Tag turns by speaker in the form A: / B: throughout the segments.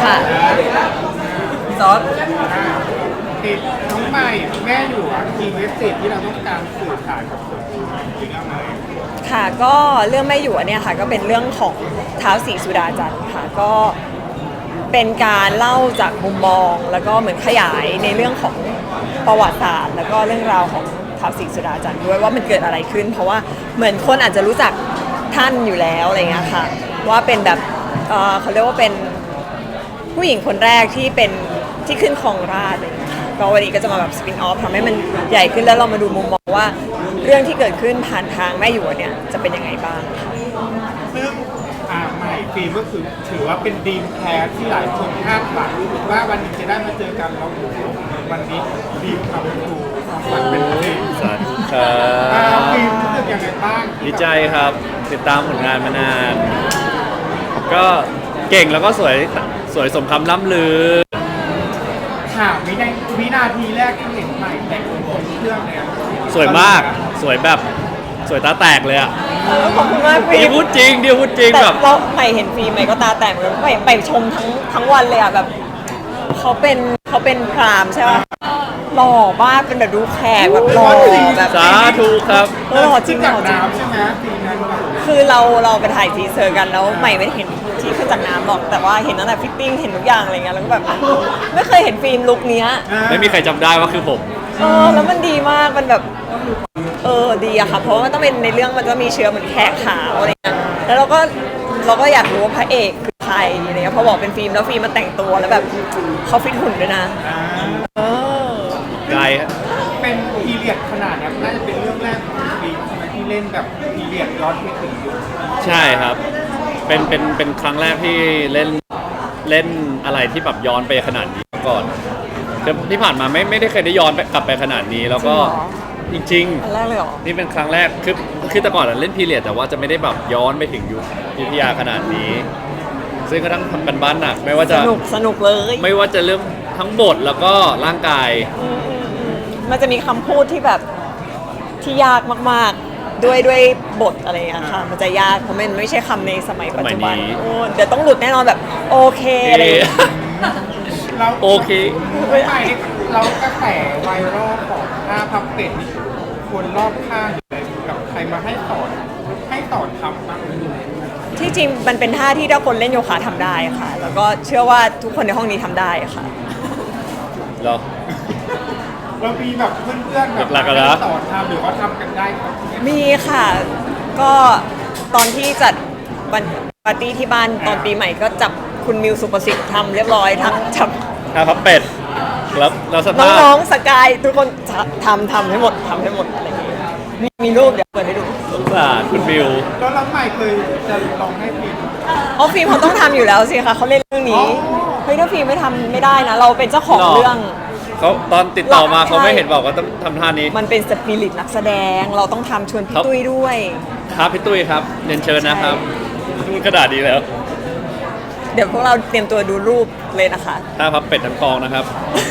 A: ค่ะ
B: ซอสติดน้องใหม่แม่อยู่ทีเว็บเซตที่เราต้องการสื่อสารกับคนที่เรื่องอะไร
A: ค่ะก็เรื่องไม่อยู่อันเนี้ยค่ะก็เป็นเรื่องของท้าวศรีสุดาจันทร์ค่ะก็เป็นการเล่าจากมุมมองแล้วก็เหมือนขยายในเรื่องของประวัติศาสตร์แล้วก็เรื่องราวของท้าวศรีสุดาจันทร์ด้วยว่ามันเกิดอะไรขึ้น เพราะว่าเหมือนคนอาจจะรู้จักท่านอยู่แล้วอะไรเงี้ยค่ะว่าเป็นแบบเขาเรียกว่าเป็นผู้หญิงคนแรกที่เป็นที่ขึ้นครองราชย์อะไรเงี้ยค่ะก็วันนี้ก็จะมาแบบสปินออฟทำให้มันใหญ่ขึ้นแล้วเรามาดูมุมมองว่าเรื่องที่เกิดขึ้นผ่านทางแม่หยวกเนี่ยจะเป็นยังไงบ้างค่ะ
B: ซึ่งใหม่ฟิล์มก็คือถือว่าเป็นดีมแคสที่หลายคนคาดหวังว่าวันนี้จะได้มาเจอกันเราวันนี้ดีมทำถูกความฝันเป็นจริง
C: สวัสดีครับ
B: ฟิล์มรู้สึกยังไงบ้าง
C: ดีใจครับติดตามผลงานมานาน ก็เก่งแล้วก็สวยสมคำล่ำลือ
B: ถามวินาทีแรกที่เห็นใหม่แต่งคนเครื่องเนี่ย
C: สวยมากสวยแบบสวยตาแตกเลยอ่ะ
A: ขอบคุณมากฟิล์ม
C: พูดจริงแบบ
A: เราใหม่เห็นฟิล์มใหม่ก็ตาแตกเลยใหม่ไปชมทั้งวันเลยอ่ะแบบเขาเป็นพรามใช่ไหมหล่อมากเป็นแบบดูแขกแบบหล่อแบบ
C: สาธุครับ
A: หล่อจริงหล่อจริง
B: ใช่ไหมปีนั้น
A: คือเราไปถ่ายทีเซอร์กันแล้วใหม่ไม่ได้เห็นที่ขึ้นจากน้ำหรอกแต่ว่าเห็นตั้งแต่ฟิตติ้งเห็นทุกอย่างอะไรเงี้ยแล้วก็แบบไม่เคยเห็นฟิล์มลุคเนี้ย
C: ไม่มีใครจำได้ว่าคือผม
A: แล้วมันดีมากมันแบบดีอะค่ะเพราะว่ามันต้องเป็นในเรื่องมันจะมีเชื้อเหมือนแขกขาวอะไรเงี้ยแล้วเราก็อยากรู้ว่าพระเอกคือใครอะไรเงี้ยพอบอกเป็นฟิล์มแล้วฟิล์มมาแต่งตัวแล้วแบบเขาฟิตหุ่นด้วยนะ
C: ไกล
B: เป็นพีเรียดขนาดนี้น่าจะเป็นเรื่องแรกของฟิล์มที่เล่นแบบพีเรียดย้อนไปถึงยุค
C: ใช่ครับเป็นครั้งแรกที่เล่นอะไรที่แบบย้อนไปขนาดนี้ก่อนที่ผ่านมาไม่ได้เคยได้ย้อนกลับไปขนาดนี้แล้วก็จริง
A: ๆแรกเลยเหรอ
C: นี่เป็นครั้งแรกคือแต่ก่อนเล่นพีเรียดแต่ว่าจะไม่ได้แบบย้อนไปถึงยุคยุธยาขนาดนี้ซึ่งก็ต้องทำกันบ้านหนักไม่ว่าจะ
A: สนุกเลย
C: ไม่ว่าจะเรื่องทั้งบทแล้วก็ร่างกาย
A: มันจะมีคำพูดที่แบบที่ยากมากๆด้วยบทอะไรอย่างเงี้ยค่ะมันจะยากเพราะมันไม่ใช่คำในสมัยปัจจุบันเดี๋ยวต้องหลุดแน่นอนแบบโอเคอะไร
B: เรา
C: โอเค
B: ไม่เรากระแสไวรัลของท่าพับเป็ดนี่คนรอบข้างเลยกับใครมาให้สอนทำบ้าง
A: ที่จริงมันเป็นท่าที่ถ้าคนเล่นโยคะทำได้ค่ะแล้วก็เชื่อว่าทุกคนในห้องนี้ทำได้ค่ะ
C: เรา
B: มีแบบเพื่อนๆแบบสอนทำหรือว่าทำกันได้
A: มีค่ะก็ตอนที่จัดวันปาร์ตี้ที่บ้านตอนปีใหม่ก็จับคุณมิวสุประสิทธิ์ทำเรียบร้อยจับ
C: พับเป็ดแล้ว
A: น้องๆสกายทุกคนทำให้หมดอะไรอย่างเงี้ยมีรูปเดี๋ยวเปิดให้ดู
C: สงสารคุณมิว
B: แล้วน้องใหม่เคยจะลองให้ฟิล์ม
A: ฟิล์มเขาต้องทำอยู่แล้วสิคะเขาเล่นเรื่องนี้เฮ้ยถ้าฟิล์มไม่ทำไม่ได้นะเราเป็นเจ้าของเรื่อง
C: เขาตอนติดต่อมาเขาไม่เห็นบอกว่าต้องทำท่านี้
A: มันเป็นสปิริตนักแสดงเราต้องทำชวนพี่ตุ้ยด้วย
C: ครับพี่ตุ้ยครับเรียนเชิญนะครับพูดกระดาษดีแล้ว
A: เดี๋ยวพวกเราเตรียมตัวดูรูปเลยนะคะ
C: ท่าพับเป็ดทั้งกองนะครับ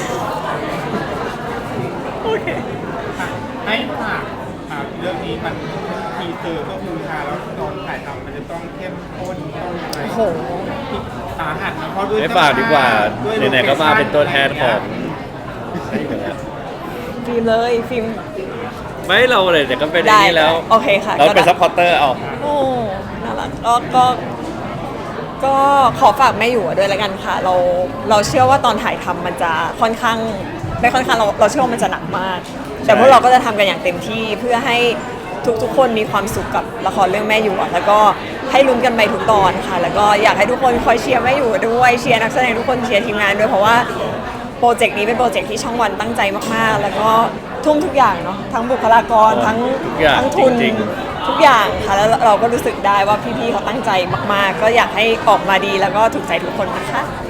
A: โอเค
B: ให้ฝากเรื่องนี้มันทีเซอร์ก็คือแล้วตอนถ่ายทำมันจะต้องเข้มข้นต้องอะไร
A: โห
B: สาหัสนะเพราะด้วย
C: ไม่ฝากดีกว่าไหนๆก็มาเป็นตัวแทนของ
A: ฟิล์มเลยฟิล์ม
C: ไม่เราเลยเดี๋ยวก็เป็นอย่างนี้แล้ว
A: โอเคค่ะ
C: เราเป็นซัพพอร์เตอร์เอา
A: โอ้น่ารักก็ขอฝากแม่อยู่ด้วยแล้วกันค่ะเราเชื่อว่าตอนถ่ายทำมันจะค่อนข้างไม่ค่อนข้างเราเชื่อว่ามันจะหนักมากแต่พวกเราก็จะทำกันอย่างเต็มที่เพื่อให้ทุกคนมีความสุขกับละครเรื่องแม่อยู่แล้วก็ให้ลุ้นกันไปทุกตอนค่ะแล้วก็อยากให้ทุกคนคอยเชียร์แม่อยู่ด้วยเชียร์นักแสดงทุกคนเชียร์ทีมงานด้วยเพราะว่าโปรเจกต์นี้เป็นโปรเจกต์ที่ช่องวันตั้งใจมากๆแล้วก็ทุ่มทุกอย่างเนาะทั้งบุคลากรทั้งทุนทุกอย่างค่ะแล้วเราก็รู้สึกได้ว่าพี่ๆเขาตั้งใจมากๆก็อยากให้ออกมาดีแล้วก็ถูกใจทุกคนนะคะ